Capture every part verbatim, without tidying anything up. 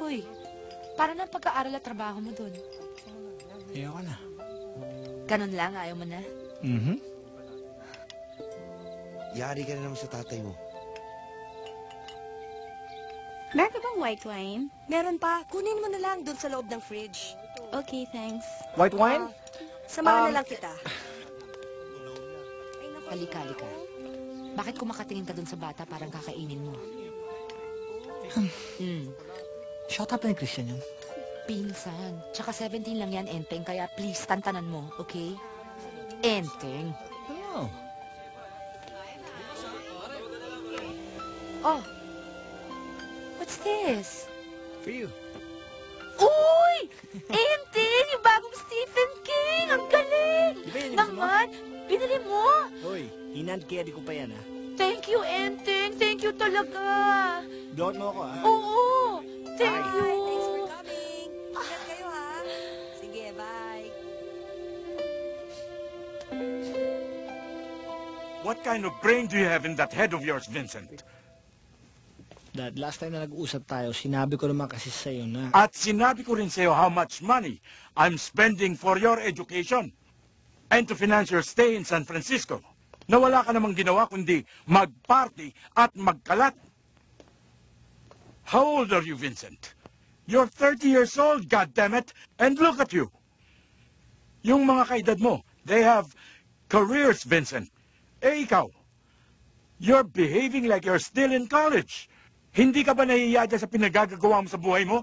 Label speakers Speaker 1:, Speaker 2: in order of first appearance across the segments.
Speaker 1: Uy, para ng pag-aaral at trabaho mo dun.
Speaker 2: Ayoko na.
Speaker 1: Ganun lang, ayaw mo na?
Speaker 2: Mm-hmm.
Speaker 3: Yari ka na naman sa tatay mo.
Speaker 4: Meron ka bang white wine?
Speaker 5: Meron pa. Kunin mo na lang doon sa loob ng fridge.
Speaker 4: Okay, thanks.
Speaker 2: White wine?
Speaker 5: Ah, samahan
Speaker 2: Um,
Speaker 5: na lang kita.
Speaker 1: Halika, halika. Bakit kumakatingin ka dun sa bata parang kakainin mo? Hmm.
Speaker 2: Shut up na Christian yun.
Speaker 1: Pinsan. Tsaka seventeen lang yan, Enteng. Kaya please, tantanan mo, okay? Enteng.
Speaker 2: Ano?
Speaker 1: Oh. What's this?
Speaker 2: For you.
Speaker 1: Uy! Enteng! Yung bagong Stephen King! Ang galing!
Speaker 2: Di ba yan yung gusto mo?
Speaker 1: Naman! Binili mo!
Speaker 2: Hoy, hinand-carry ko pa yan, ha?
Speaker 1: Thank you, Enteng! Thank you talaga!
Speaker 2: Blowout mo ako, ha?
Speaker 1: Oo! Thank
Speaker 5: Bye.
Speaker 1: you!
Speaker 5: Thanks for coming. Ingat kayo, ha? Sige, bye.
Speaker 6: What kind of brain do you have in that head of yours, Vincent?
Speaker 2: Dad, last time na nag-uusap tayo, sinabi ko naman kasi sa'yo na...
Speaker 6: At sinabi ko rin sa'yo how much money I'm spending for your education and to finance your stay in San Francisco. Na wala ka namang ginawa kundi mag-party at magkalat. How old are you, Vincent? You're thirty years old, goddammit, and look at you. Yung mga kaedad mo, they have careers, Vincent. Eh, ikaw, you're behaving like you're still in college. Hindi ka ba nahihiya dyan sa pinagagagawa mo sa buhay mo?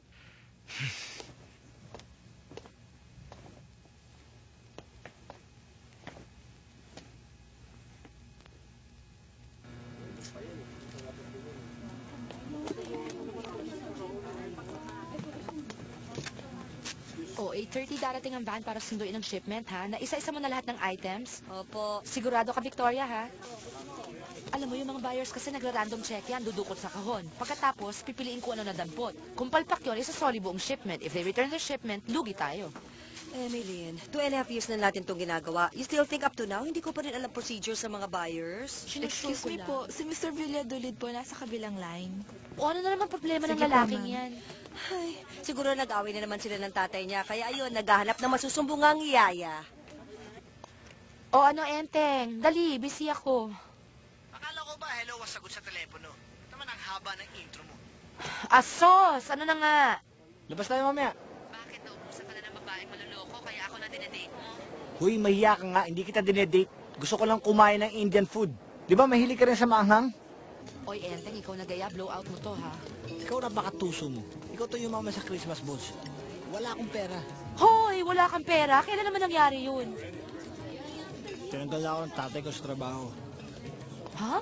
Speaker 1: Oh, eight thirty darating ang van para sunduin ang shipment, ha? Na isa-isa mo na lahat ng items.
Speaker 5: Opo.
Speaker 1: Sigurado ka, Victoria, ha? Alam mo, yung mga buyers kasi nagra-random check yan, dudukot sa kahon. Pagkatapos, pipiliin ko ano na dampot. Kung palpak yun, isasoli buong shipment. If they return the shipment, lugi tayo.
Speaker 5: Emilyn, two and a half years na natin itong ginagawa. You still think up to now, hindi ko pa rin alam procedure sa mga buyers?
Speaker 4: Excuse me po, si Mister Villadolid po nasa kabilang line.
Speaker 1: O ano na naman problema ng
Speaker 4: Sige po,
Speaker 1: lalaking
Speaker 4: ma'am.
Speaker 1: yan?
Speaker 5: Ay, siguro nag-away na naman sila ng tatay niya. Kaya ayun, naghahanap ng masusumbungang yaya.
Speaker 1: O ano, Enteng? Dali, busy ako.
Speaker 2: Akala ko ba hello was sagot sa telepono? Naman ang haba ng intro mo.
Speaker 1: Asos! Ano na nga?
Speaker 2: Labas tayo mamaya.
Speaker 1: Bakit naubusan ka na ng babaeng maluloko kaya ako na dinedate mo?
Speaker 2: Huy, mahiya ka nga. Hindi kita dinedate. Gusto ko lang kumain ng Indian food. Di ba mahilig ka rin sa maanghang?
Speaker 1: Oy, Enteng, ikaw nagaya, blow out mo to, ha?
Speaker 2: Ikaw na baka tuso mo. Ikaw to yung mama sa Christmas balls. Wala akong pera.
Speaker 1: Hoy, wala kang pera. Kailan naman nangyari yun?
Speaker 2: Tinanggal na ako ng tatay ko sa trabaho.
Speaker 1: Ha?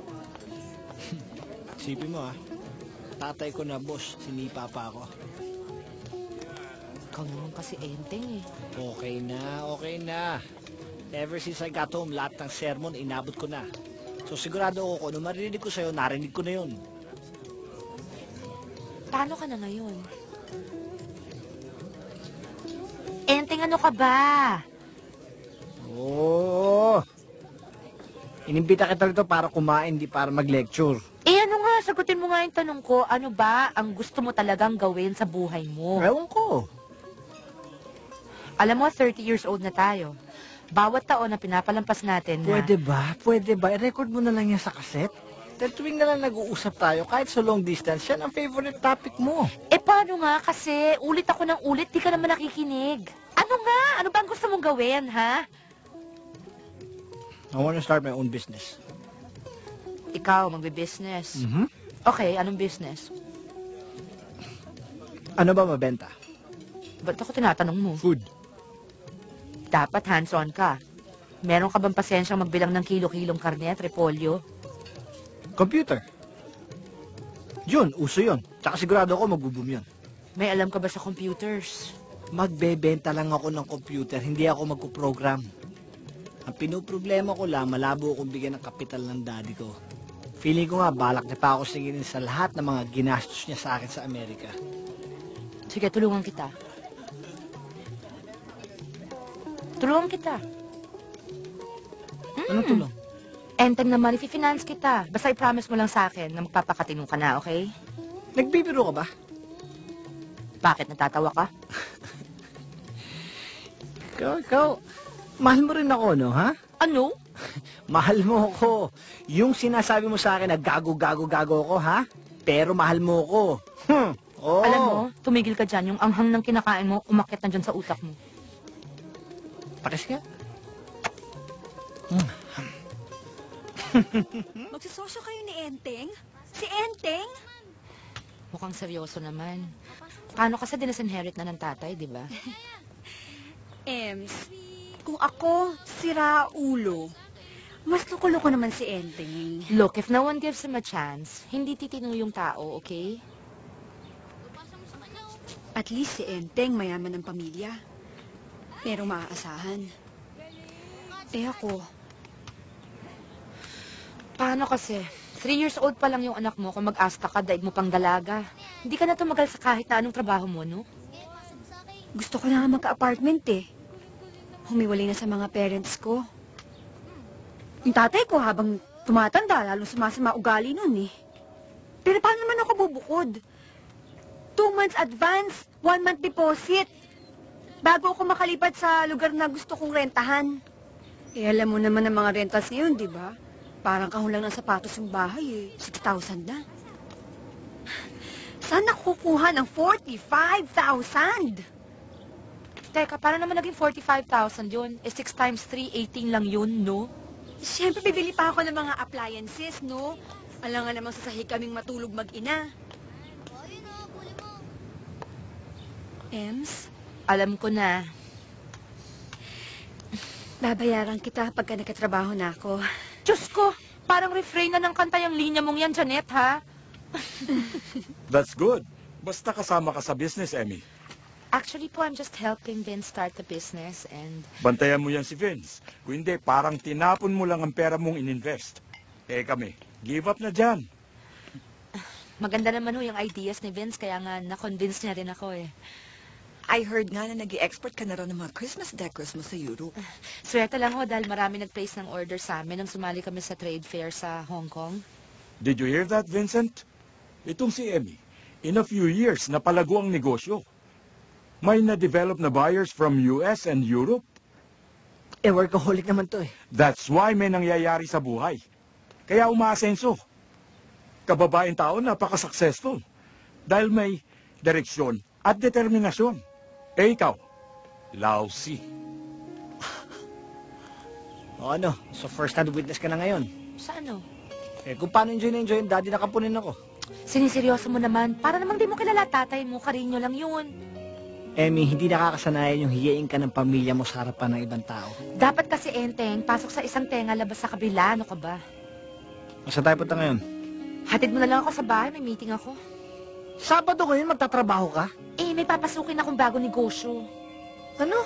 Speaker 2: Isipin mo, ha? Tatay ko na boss, sinipa pa ako.
Speaker 1: Ikaw naman kasi, Enteng, eh.
Speaker 2: Okay na, okay na. Ever since I got home, lahat ng sermon inabot ko na. So sigurado ako, kung ano marinig ko sa'yo, narinig ko na yun.
Speaker 1: Paano ka na ngayon? Enteng, ano ka ba?
Speaker 2: Oo. Inimbita kita rito para kumain, di para mag-lecture.
Speaker 1: Eh, ano nga? Sagutin mo nga yung tanong ko. Ano ba ang gusto mo talagang gawin sa buhay mo?
Speaker 2: Ewan ko.
Speaker 1: Alam mo, thirty years old na tayo. Bawat taon na pinapalampas natin na...
Speaker 2: Pwede ba? Pwede ba? I-record mo na lang yan sa kaset. Dahil tuwing na lang nag-uusap tayo, kahit sa long distance, yan ang favorite topic mo.
Speaker 1: Eh, paano nga? Kasi ulit ako ng ulit, di ka naman nakikinig. Ano nga? Ano ba ang gusto mong gawin, ha?
Speaker 2: I want to start my own business.
Speaker 1: Ikaw, magbe-business.
Speaker 2: Mm-hmm.
Speaker 1: Okay, anong business?
Speaker 2: Ano ba mabenta?
Speaker 1: Ba't ako tinatanong mo?
Speaker 2: Food.
Speaker 1: Dapat hands-on ka. Meron ka bang pasensyang magbilang ng kilo-kilong karne at repolyo?
Speaker 2: Computer. Yun, uso yun. Tsaka sigurado ako magbo-boom yun.
Speaker 1: May alam ka ba sa computers?
Speaker 2: Magbebenta lang ako ng computer, hindi ako magpo-program. Ang pinoproblema ko lang, malabo akong bigyan ng kapital ng daddy ko. Feeling ko nga, balak niya pa ako singilin sa lahat ng mga ginastos niya sa akin sa Amerika.
Speaker 1: Sige, tulungan kita. Tulungan kita.
Speaker 2: Anong tulong?
Speaker 1: Enteng naman, i-finance kita. Basta i-promise mo lang sa akin na magpapakatino ka na, okay?
Speaker 2: Nagbibiro ka ba?
Speaker 1: Bakit, natatawa ka?
Speaker 2: Ikaw, ikaw, mahal mo rin ako, no, ha?
Speaker 1: Ano?
Speaker 2: Mahal mo ako. Yung sinasabi mo sa akin na gago, gago, gago ako, ha? Pero mahal mo ako. Hmm. Oo.
Speaker 1: Alam mo, tumigil ka dyan. Yung anghang ng kinakain mo, umakyat na dyan sa utak mo.
Speaker 2: Pakis ka.
Speaker 5: Magsisosyo kayo ni Enteng? Si Enteng?
Speaker 1: Mukhang seryoso naman. Paano kasi dinasinherit na ng tatay, di ba?
Speaker 7: Ems, kung ako, si Raulo, mas loko-loko naman si Enteng.
Speaker 1: Look, if no one gives him a chance, hindi titino yung tao, okay?
Speaker 7: At least si Enteng mayaman ng pamilya. Merong maaasahan. Eh ako,
Speaker 1: Paano kasi? Three years old pa lang yung anak mo kung mag-asta ka, daig mo pang dalaga. Hindi ka na tumagal sa kahit na anong trabaho mo, no?
Speaker 7: gusto ko na nga magka-apartment eh. Humiwalay na sa mga parents ko. Yung tatay ko habang tumatanda, lalo sumasama ugali nun eh. Pero paano naman ako bubukod? Two months advance, one month deposit. Bago ako makalipat sa lugar na gusto kong rentahan. Eh, alam mo naman ang mga rentals ngayon, di ba? Parang kahulang ng sapatos yung bahay eh. six thousand na. Saan ako kukuha ng forty-five thousand?
Speaker 1: Teka, paano naman naging forty-five thousand yun? Eh, six times three, eighteen lang yun, no?
Speaker 7: Siyempre, bibili pa ako ng mga appliances, no? Alam nga namang sasahi kaming matulog mag-ina. Ems,
Speaker 1: Alam ko na.
Speaker 7: babayaran kita pagka nagkatrabaho na ako.
Speaker 1: Diyos ko, parang refrain na ng kanta yung linya mong yan, Janet, ha?
Speaker 6: That's good. Basta kasama ka sa business, Emmy.
Speaker 1: Actually po, I'm just helping Vince start the business and...
Speaker 6: Bantayan mo yan si Vince. Kung hindi, parang tinapon mo lang ang pera mong ininvest. Eh kami, give up na dyan.
Speaker 1: Maganda naman ho yung ideas ni Vince, kaya nga na-convince niya rin ako eh.
Speaker 4: I heard nga na nag-i-export ka na raw ng mga Christmas decors mo sa Europe.
Speaker 1: Swerte lang ho dahil marami nag-place ng order sa amin nang sumali kami sa trade fair sa Hong Kong.
Speaker 6: Did you hear that, Vincent? Itong si Emmy, in a few years, napalago ang negosyo. May na-develop na buyers from U S and Europe.
Speaker 2: Eh, workaholic naman to eh.
Speaker 6: That's why may nangyayari sa buhay. Kaya umaasenso. Kababaeng tao, napaka-successful. Dahil may direksyon at determinasyon. Eh ikaw, lousy.
Speaker 2: O ano, so first hand witness ka na ngayon.
Speaker 1: Sa ano?
Speaker 2: Eh, kung paano enjoy na enjoy yung daddy nakapunin ako.
Speaker 1: Siniseryoso mo naman. Para namang di mo kilala tatay mo, karinyo lang yun.
Speaker 2: Emmy, hindi nakakasanayan yung hiyain ka ng pamilya mo sa harapan ng ibang tao.
Speaker 1: Dapat kasi, Enteng, pasok sa isang tenga, labas sa kabila. Ano ka ba?
Speaker 2: Masa tayo punta ngayon?
Speaker 1: Hatid mo na lang ako sa bahay, may meeting ako.
Speaker 2: Sabado ngayon, magtatrabaho ka?
Speaker 1: Eh, may papasukin akong bago negosyo.
Speaker 2: Ano?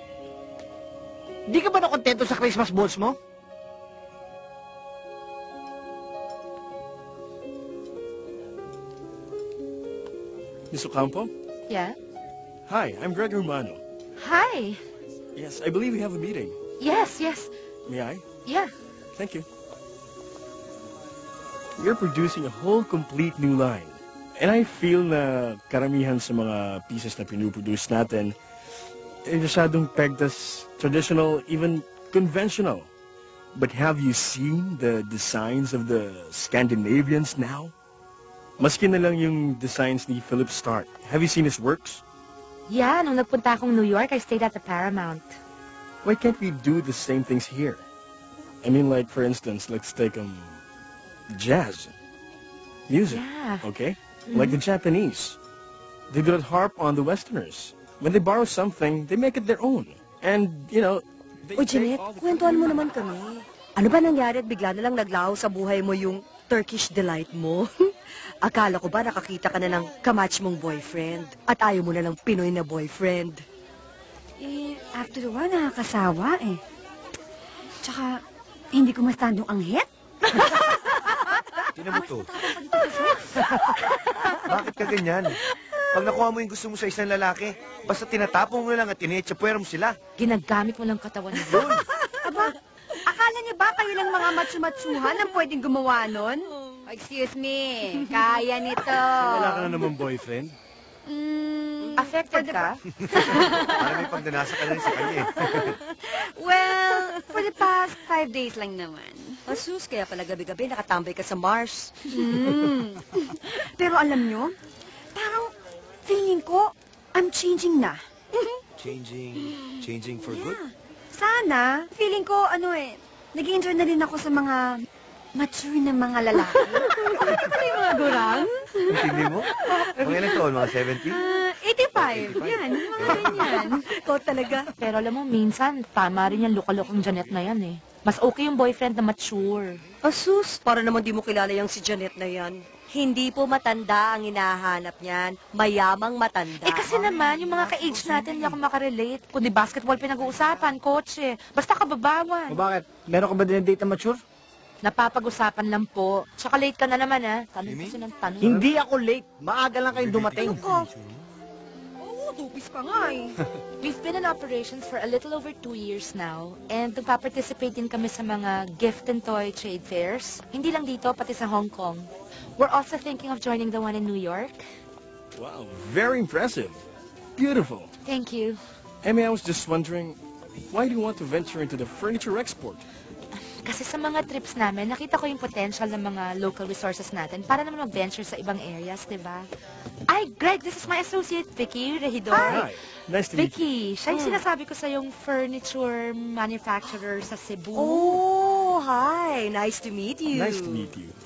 Speaker 2: Di ka ba nakontento sa Christmas balls mo?
Speaker 8: Miss Ocampo?
Speaker 1: Yeah?
Speaker 8: Hi, I'm Greg Romano.
Speaker 1: Hi!
Speaker 8: Yes, I believe we have a meeting.
Speaker 1: Yes, yes.
Speaker 8: May I?
Speaker 1: Yeah.
Speaker 8: Thank you. You're producing a whole complete new line. And I feel na karamihan sa mga pieces na pinuproduce natin eh, masyadong pegged as traditional, even conventional. But have you seen the designs of the Scandinavians now? Maski na lang yung designs ni Philip Stark. Have you seen his works?
Speaker 1: Yeah, nung nagpunta akong New York, I stayed at the Paramount.
Speaker 8: Why can't we do the same things here? I mean, like, for instance, let's take, um, jazz. Music,
Speaker 1: Yeah.
Speaker 8: okay?
Speaker 1: Mhm.
Speaker 8: Like the Japanese. They do not harp on the Westerners. When they borrow something, they make it their own. And, you know, they
Speaker 5: O,
Speaker 8: take
Speaker 5: Jeanette,
Speaker 8: all the
Speaker 5: kwentuhan mo naman kami. Ano ba nangyari at bigla na lang naglaho sa buhay mo yung Turkish delight mo? Akala ko ba nakakita ka na ng kamatch mong boyfriend at ayaw mo na ng Pinoy na boyfriend?
Speaker 7: Eh, after a while, nakakasawa eh. Tsaka, hindi ko ma-stand yung anghit.
Speaker 3: Tinan mo to. Bakit ka ganyan? Pag nakuha mo yung gusto mo sa isang lalaki, basta tinatapong mo lang at tinetsapuera mo sila.
Speaker 1: Ginagamit mo lang katawan niya.
Speaker 3: Yun.
Speaker 7: Aba, akala niyo ba kayo lang mga matsumatsuhan ang pwedeng gumawa nun? Excuse me, kaya nito.
Speaker 8: Wala ka na naman boyfriend?
Speaker 7: Mm,
Speaker 1: Affected ka?
Speaker 3: Parang may pagdanasa ka na rin sa kanya eh.
Speaker 7: Well, for the past five days lang naman.
Speaker 5: Asus, kaya pala gabi-gabi nakatambay ka sa Mars.
Speaker 7: Mm. Pero alam nyo, parang feeling ko, I'm changing na.
Speaker 3: Changing, changing for good?
Speaker 7: Yeah. Sana, feeling ko, ano eh, nag-i-enjoy na rin ako sa mga mature na mga lalaki. Ano yung mga gurang?
Speaker 3: Hindi mo? Mga ilang taon? Mga seventy?
Speaker 7: Ah, eighty-five. Yan, mga ganyan.
Speaker 5: Ikaw talaga.
Speaker 1: Pero alam mo, minsan, tama rin yung lukalokong Janet na yan eh. Mas okay yung boyfriend na mature.
Speaker 5: Asus, para naman di mo kilala yung si Janet na yan. Hindi po matanda ang hinahanap niyan. Mayamang matanda.
Speaker 1: Eh kasi naman, yung mga ka-age natin, hindi ako makarelate. Kundi basketball pinag-uusapan, kotse. Basta kababawan.
Speaker 2: O bakit? Meron ka ba dinedate na mature?
Speaker 1: Napapag-usapan lang po. Tsaka late ka na naman ha. Tanong
Speaker 3: Mimi?
Speaker 1: kasi ng tanong.
Speaker 2: Hindi ako late. Maaga lang kayong dumating.
Speaker 5: Oo, tupis pa nga eh.
Speaker 1: We've been in operations for a little over two years now. And nagpa-participate din kami sa mga gift and toy trade fairs. Hindi lang dito, pati sa Hong Kong. We're also thinking of joining the one in New York.
Speaker 8: Wow, very impressive. Beautiful.
Speaker 1: Thank you.
Speaker 8: Emmy, I was just wondering, why do you want to venture into the furniture export?
Speaker 1: Kasi sa mga trips namin, nakita ko yung potential ng mga local resources natin para naman mag-venture sa ibang areas, di ba? Ay, Greg, this is my associate, Vicky Regidor.
Speaker 8: Hi. Nice to meet you.
Speaker 1: Vicky, siya yung
Speaker 5: Hmm.
Speaker 1: sinasabi ko sa yung furniture manufacturer sa Cebu.
Speaker 5: Oh, hi. Nice to meet you.
Speaker 8: Nice to meet you.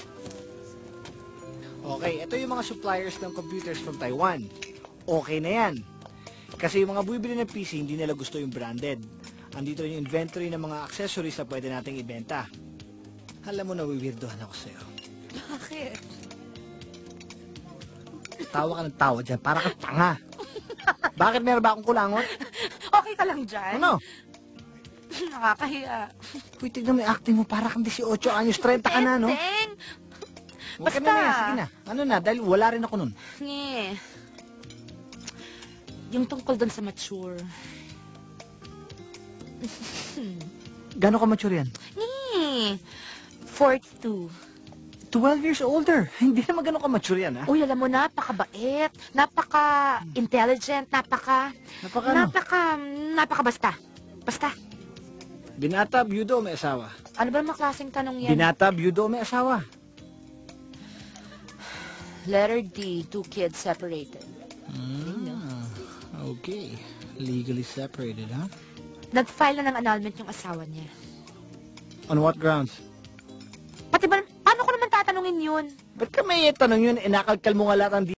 Speaker 2: Okay, ito yung mga suppliers ng computers from Taiwan. Okay na yan. Kasi yung mga bumibili ng P C, hindi nila gusto yung branded. Andito rin yung inventory ng mga accessories na pwede nating ibenta. Alam mo, nawiwirdohan ako sa'yo.
Speaker 1: Bakit?
Speaker 2: Tawa ka ng tawa dyan, para kang tanga. Bakit meron ba akong kulangot?
Speaker 1: Okay ka lang dyan?
Speaker 2: Ano?
Speaker 1: Nakakahiya.
Speaker 2: Uy, tignan mo yung acting mo, para kang eighteen anyos, thirty ka na, no?
Speaker 1: Teng!
Speaker 2: Huwag ka
Speaker 1: Basta.
Speaker 2: na na yan, sige na. Ano na, dahil wala rin ako nun.
Speaker 1: Nge. Yung tungkol doon sa mature.
Speaker 2: Gano'n ka mature yan?
Speaker 1: Nge. forty-two.
Speaker 2: twelve years older. Hindi naman gano'n ka mature yan, ha?
Speaker 1: Uy, alam mo, napakabait, napaka-intelligent, napaka...
Speaker 2: Napaka ano?
Speaker 1: Napaka... Napaka basta. Basta.
Speaker 2: Binata, byudo, may asawa.
Speaker 1: Ano ba naman klaseng tanong yan?
Speaker 2: Binata, byudo, may asawa.
Speaker 1: Letter D, two kids separated.
Speaker 2: Ah, okay. Legally separated, ha?
Speaker 1: Nag-file na ng annulment yung asawa niya.
Speaker 2: On what grounds?
Speaker 1: Pati ba, paano ko naman tatanungin yun?
Speaker 2: Ba't ka may tanong yun? Inakalkal mo nga lahat ang